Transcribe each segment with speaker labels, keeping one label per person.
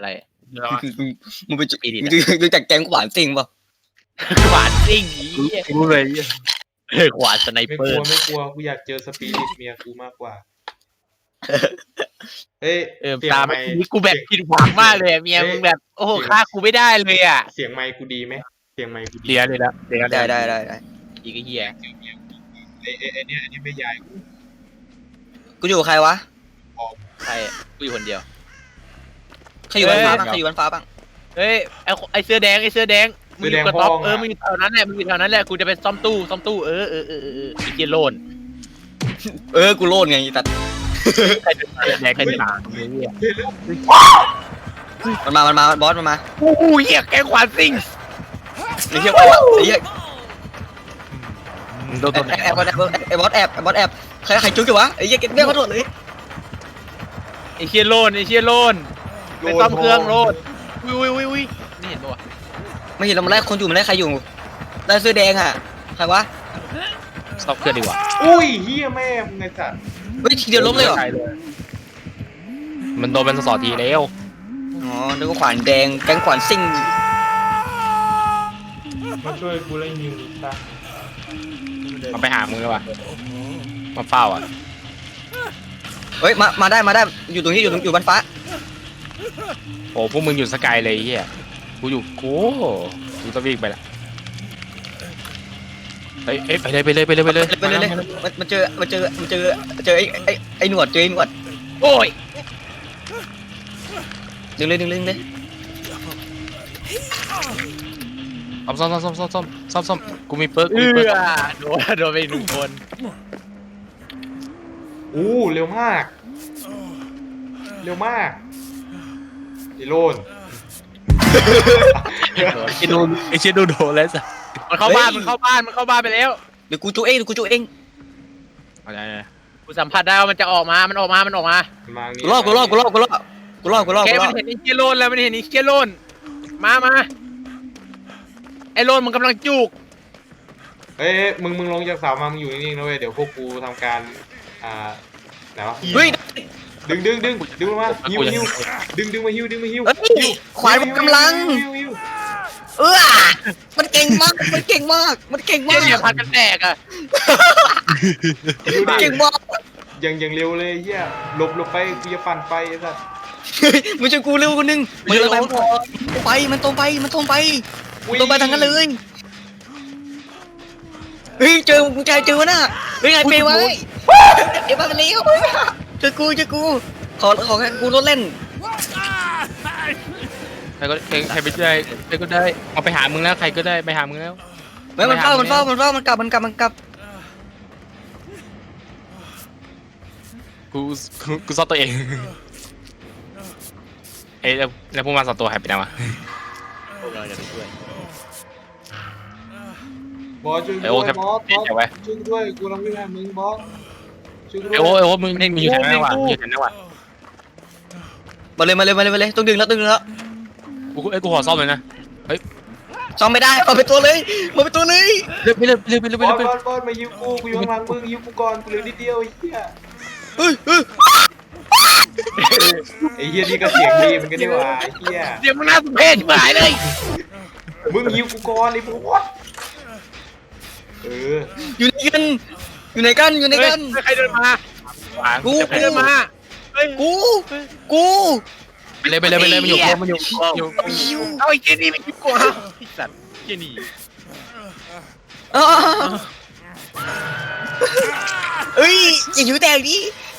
Speaker 1: อะไร
Speaker 2: มึงไปมึงจากแก๊งขวานซิงป่ะ
Speaker 1: ขวานซิ่งอีรู้เลยขวานสไน
Speaker 3: ไม่
Speaker 1: เป
Speaker 3: ก
Speaker 1: อ
Speaker 3: ลัว
Speaker 1: ร์
Speaker 3: ไม่กลัวกูอยากเจอสปิริตเมียกูมากกว่าเฮ้ยเสียง
Speaker 1: ตาม
Speaker 3: ไมค์
Speaker 1: นี้กูแบบผิดหวังมากเลยเมียมึงแบบโอ้โหฆ่ากูไม่ได้เลยอ่ะ
Speaker 3: เสียงไมค์กูดีไหมเสียงไมค์กูดี
Speaker 1: เลียเลยละเลีย
Speaker 2: ได้
Speaker 1: อีกเหี้ย
Speaker 3: ไอ้เนี่ยอันนี้ไม่ยายกู
Speaker 2: กูอยู่กับใครวะ
Speaker 1: ใครกูอยู่คนเดียว
Speaker 2: ใครอยู่บนฟ้าบ้างใครอยู่บนฟ้าบ้าง
Speaker 1: เฮ้ยไอเสื้อแดงมึงอยู่กระต๊อบมึงอยู่แถวนั้นแหละกูจะไปซ่อมตู้อีเจโลน
Speaker 2: กูโลดไงตัด
Speaker 1: ใครจะแดงใครจะด่าเนี่ย
Speaker 2: มันมาบอสมันมา
Speaker 1: โอ้โหเหี้ยแกขวานซิ่ง
Speaker 2: ไอ้เหี้ยไอ้เหี้ย
Speaker 1: โดน
Speaker 2: แอบบอสแอบใครจุ๊กอยู่วะไอ้เหี้ยเก็บเบี้ยเขาโดดเลย
Speaker 1: ไอเชียโลนไปซ่อมเครื่องโลนวินี่เห็นปะวะ
Speaker 2: ไม่เห็นเรามาไล่คนอยู่มันไล่ใครอยู่ไล่เสื้อแดงอ่ะใครวะ
Speaker 1: ซ่อมเครื่องดีกว่า
Speaker 3: อุ้ยเฮียแม่มึงไงสัตว์
Speaker 2: เฮ้ยทีเดียวล้มเลยเหรอ
Speaker 1: มันโดนเป็นสอทีแล้ว
Speaker 2: อ๋อนึกว่าขวานแดงแก๊งขวานซิ่ง
Speaker 3: มาช่วยกูเล่นยิงดิซะ
Speaker 1: มาไปหามึงเลยว่ะมาเฝ้าอ่ะ
Speaker 2: เฮ้ยมาได้อยู่ตรงนี้อยู่บนฟ้า
Speaker 1: โอ้พวกมึงอยู่สกายเลยเฮียกูอยู่กูจะวิ่งไปละไปเลย
Speaker 2: มันเจอไอ้หนวด
Speaker 1: โอ้ย
Speaker 2: ดึงเลย
Speaker 1: ซ่อมกูมีเปิร์กโดนไปหนึ่งคน
Speaker 3: อู้เร็วมากไอ้โลน
Speaker 1: ไอเชียดูโดนแล้วสิมันเข้าบ้านไปแล้ว
Speaker 2: เดี๋ยวกูจูเอง
Speaker 1: กูสัมผัสได้ว่ามันจะออกมามันออกมา
Speaker 3: มานี่
Speaker 2: กูรอด
Speaker 1: แกมันเห็นไอ้เชียโลนแล้วมันเห็นไอ้เชียโลนมาไอ้โลนมันกำลังจุก
Speaker 3: เฮ้ยมึงลงจากเสามามึงอยู่นิ่งๆนะเว้ยเดี๋ยวพวกกูทำการไหนวะ
Speaker 2: เฮ้ย
Speaker 3: ดึงมาฮิวดึงมาฮิว
Speaker 2: ขวานกำลังมันเก่งมาก
Speaker 1: เชียเนี่ยพันกันแตกอ่ะ
Speaker 2: เก่งมาก
Speaker 3: ยังเร็วเลยเฮียหลบไปกูจะปั่นไปไอ้สัส
Speaker 2: ไม่ใช่กูเร็วคนนึงมันตรงไปทางนั้นเลยเฮ้ยเจอวะน่ะเฮ้ยไงเปย์ไว้เดี๋ยวมากันแล้วเจอกูขอแค่กูรถเล่น
Speaker 1: ใครไปได้ใครก็ได้เอาไปหามึงแล้วใครก็ได้ไปหามึงแล้ว
Speaker 2: มันเฝ้ามันกลับ
Speaker 1: กูซ่อมตัวเองแล้วพวกมันสองตัวหายไปไหนวะ
Speaker 3: บอสช่วยด้วยบอสช่วยด้วยกูกำลังวิ่งหามึงบอสช่วยด้วย
Speaker 1: โอ้มึงอยู่แถวนั้นวะ
Speaker 2: มาเลยต้องดึงแล้ว
Speaker 1: กูขอซ่อมเลยนะ
Speaker 2: ซ่อมไม่ได้เอาไปตัวเลย
Speaker 1: ไปเลย
Speaker 3: บอสมายิวกูอยู่ข้างหลังมึงยิวกูก่อนกูเหลือนิดเดียวไอ้เหี้ย ไอ้เหี้ยนี่ก็เสียงดีมันก็ได้ว่าไอ้เหี้ย
Speaker 1: เดี๋ยวมึงน่าสมเพชชิบหายเลย
Speaker 3: มึงยิวกูก่อนไอ้พวก
Speaker 2: อยู่ไหนกัน
Speaker 1: ใครเดินมากูไปเลยมันอยู่เอาไอ้เจนี่มันอยู่กว่าไอ้สัตว์เจนี่
Speaker 2: เอ้ยอย่าอยู่แตกดิ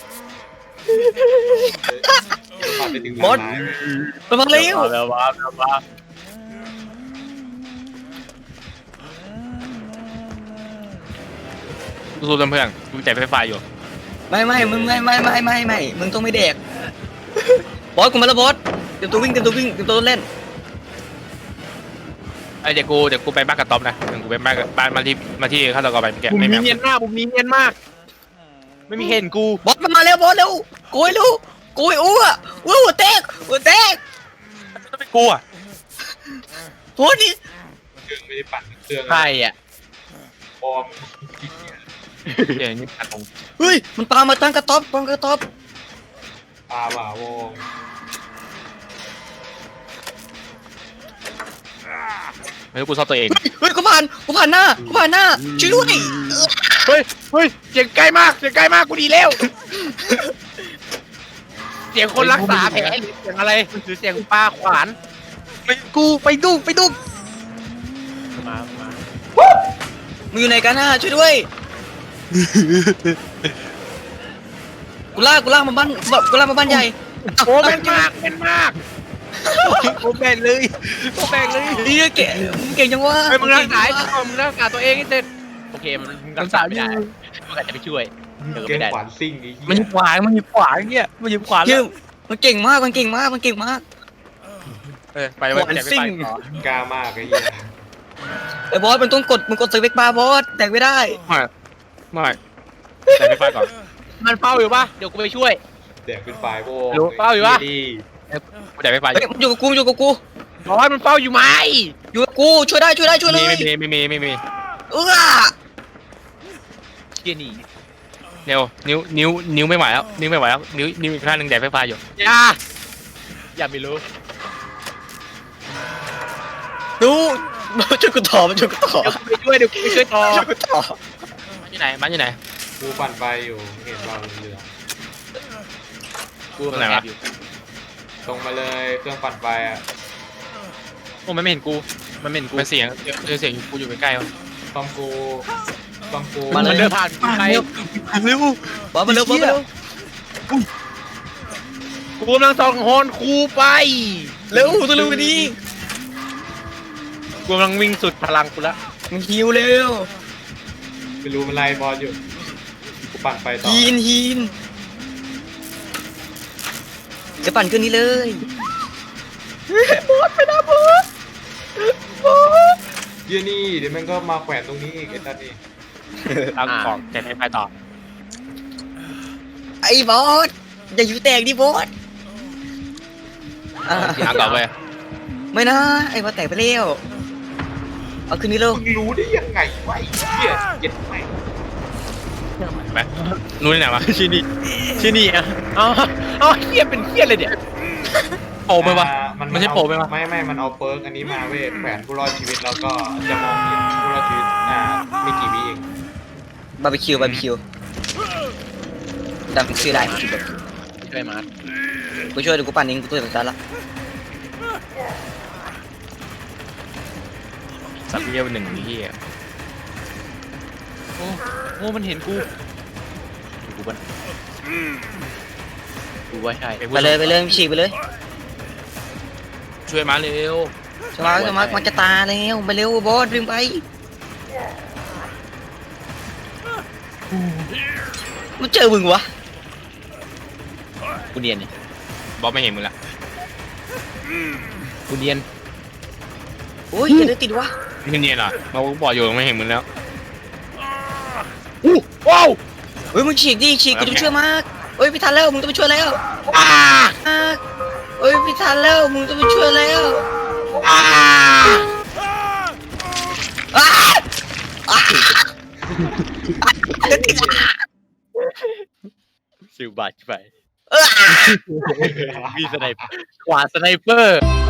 Speaker 2: บอสระวังเร็ว
Speaker 1: แล้วว้าสู้เพื่อนกูใจไฟฟ้าอยู่
Speaker 2: ไม่มึงต้องไม่แดกบอสกูมาแล้วบอสเตรียมตัววิ่งเตรียมตัวเล่น
Speaker 1: เดี๋ยวกูไปบ้านกับต๊อบนะกูไปบ้านมาที่ข้าตกรไปแกไม่มีเนียนมากไม่มีเห็นกู
Speaker 2: บอสมันมาแล้วบอสเร็วโกยหัวแตก
Speaker 1: จะเป็นกูอ่ะ
Speaker 2: โหนี่
Speaker 3: เครื่องไม่ได้ปั่นเครื่อง
Speaker 1: ใครอ่ะ
Speaker 3: ปลอม
Speaker 1: เดี๋ยวนี่ตรง
Speaker 2: เฮ้ยมันปามาตั้งกระต๊อบ
Speaker 3: ปลาบ่าวง
Speaker 4: ไม่รู้กูชอบตัวเอง
Speaker 2: เฮ้ยกูผ่านหน้าช่วยด้วย
Speaker 1: เฮ้ยเสียงใกล้มากกูดีแล้วเสียงคนรักษาแผลหรือเสียงอะไรหรือเสียงปลาขวาน
Speaker 2: ไปดุก
Speaker 1: มา
Speaker 2: มึงอยู่ไหนกันน่ะช่วยด้วยกูลากมาบ้านใหญ่
Speaker 1: โอ้เป็นมาก
Speaker 2: กูแบ่งเลยนี่เก่งจังวะ
Speaker 1: เฮ้ยมึงรักษาตัวเองให้เสร็จโอเคมันรักษาไม่ได้มึงอาจจะไปช่วยเออ
Speaker 3: เก่
Speaker 1: ไม่
Speaker 3: ง
Speaker 1: ได้
Speaker 3: ขวานซิ่งไอ้
Speaker 4: มัน
Speaker 3: เหี้
Speaker 4: ยิ
Speaker 3: ย
Speaker 4: งขวานเนี่ยมันยิงขวาน
Speaker 2: เฮ้
Speaker 4: แล้
Speaker 2: ยว มันเก่งมาก
Speaker 4: ไปไว้
Speaker 2: ขวาน
Speaker 4: แจก
Speaker 2: ซิ่
Speaker 4: ไป
Speaker 2: ง
Speaker 4: ต่อก
Speaker 3: ล้ามากไอ้เหี้ย
Speaker 2: ไอ้บอสมันต้องมึงกดสวิกบาร์บอสแตกไม่ได้
Speaker 4: ไม่แจกไปก่อน
Speaker 1: มันเฝ้าอยู่ปะเดี๋ยวกูไปช่วย
Speaker 3: แดกเป็นไฟโว้
Speaker 1: รู้เปล่าอยู่วะ
Speaker 3: ดี
Speaker 4: กูแจกไป
Speaker 2: เฮ้ยมันอยู่กับกู
Speaker 1: บอยมันเฝ้าอยู่ไหม
Speaker 2: อยู่กับกูช่วยได้ช่วยเลย
Speaker 4: ไม่มี
Speaker 2: เออ
Speaker 1: เกียร์หนี
Speaker 4: เร็วนิ้วไม่ไหวแล้วนิ้วอีกข้างหนึ่งแจกไฟฟ้าอยู่
Speaker 1: อย่าไม่รู้
Speaker 2: ดูช่วยกูต่อมันช่วยกูต่อ
Speaker 1: เดี๋ยวกูไปช่วยต่อ
Speaker 2: ช่วยกูต่อ
Speaker 4: บ้านอยู่ไหน
Speaker 3: กูปั่นไฟอยู่เห็นเราเรือ
Speaker 1: กูแอบอยู่
Speaker 3: ตรงมาเลยเครื่องปั่นไฟอ่ะ
Speaker 1: โอ้มันไม่เห็นกูมันไม่เห็นกู
Speaker 4: มันเสียงกูอยู่ใกล้ๆวะ
Speaker 3: ต้อมกู
Speaker 1: มันเดินผ่านกูไป
Speaker 4: เร็ว
Speaker 2: บอสมาเร็ว
Speaker 1: กูกำลังส่องฮอนคูไป
Speaker 2: เร็วตัวเร็วกันดี
Speaker 1: กูกำลังวิ่งสุดพลังกูละ
Speaker 2: มึงฮิวเร็ว
Speaker 3: ไม่รู้มันไล่บอสอยู่กูปั่นไฟต่อ
Speaker 2: ฮีนจะปั่นขึ้นนี้เลย
Speaker 3: เหี้ยนี่เดี๋ยวมันก็มาแขวนตรงนี้อีกไอ้ตานี่
Speaker 4: ตั้งของแจกไฟต่อ
Speaker 2: ไอ้บอสอย่าอยู่แตกดิบอส
Speaker 4: ตั้งต่อไป
Speaker 2: ไม่นะไอ้บอสแตกไปแล้วเอาขึ้นนี้เร็ว
Speaker 3: มึงรู้ได้ยังไงวะไอ้เหี้ยเจ็ดแม่ง
Speaker 4: ไปรู้ที่ไหนวะ
Speaker 1: ชื่อนี่อ่ะอ๋อเฮียเป็นเฮียเลยเนี่ย
Speaker 4: โปรไหมวะ
Speaker 3: มัน
Speaker 4: ไม่ใช่โปรไหมวะ
Speaker 3: ไม่มันเอาเปิร์กอันนี้มาเว้ยแขวนผู้รอดชีวิตแล้วก็จะมองเห็นผู้รอดชีวิตไม่กี่วิเอง
Speaker 2: บาร์บีคิวจำชื่อได้ชื่อแบบ
Speaker 1: ช่วยมาร์ท
Speaker 2: กูช่วยเดี๋ยวกูปั่นเองกูตัวสุดท้ายละ
Speaker 4: สัตว์เลี้ยวหนึ่งที่
Speaker 1: โอ้มันเห็นกูบ้านกูว่าใช่
Speaker 2: ไปเลยฉีกไปเลย
Speaker 4: ช่วยมาเร็ว
Speaker 2: สมาร์ทมันจะตาแล้วไปเร็วบอสวิ่งไปมันเจอมึงวะ
Speaker 1: กูเนียนเนี่ย
Speaker 4: บอสไม่เห็นมึงละ
Speaker 1: กูเนียน
Speaker 2: โอ้ยจะได้ติดวะ
Speaker 4: ไม่เนียนเหรอมาบอกอยู่ไม่เห็นมึงแล้ว
Speaker 1: ว้าว
Speaker 2: เฮ้ยมึงฉีกกูต้องช่วยมากเฮ้ยพี่ทันแล้วมึงต้องไปช่วยแล้ว
Speaker 1: อ้า
Speaker 2: เฮ้ยพี่ทันแล้วมึงต้องไปช่วยแล้ว
Speaker 1: อ้า
Speaker 2: จะติด
Speaker 1: สิวบาดไปมีสไนเปอร์ขวาสไนเปอร์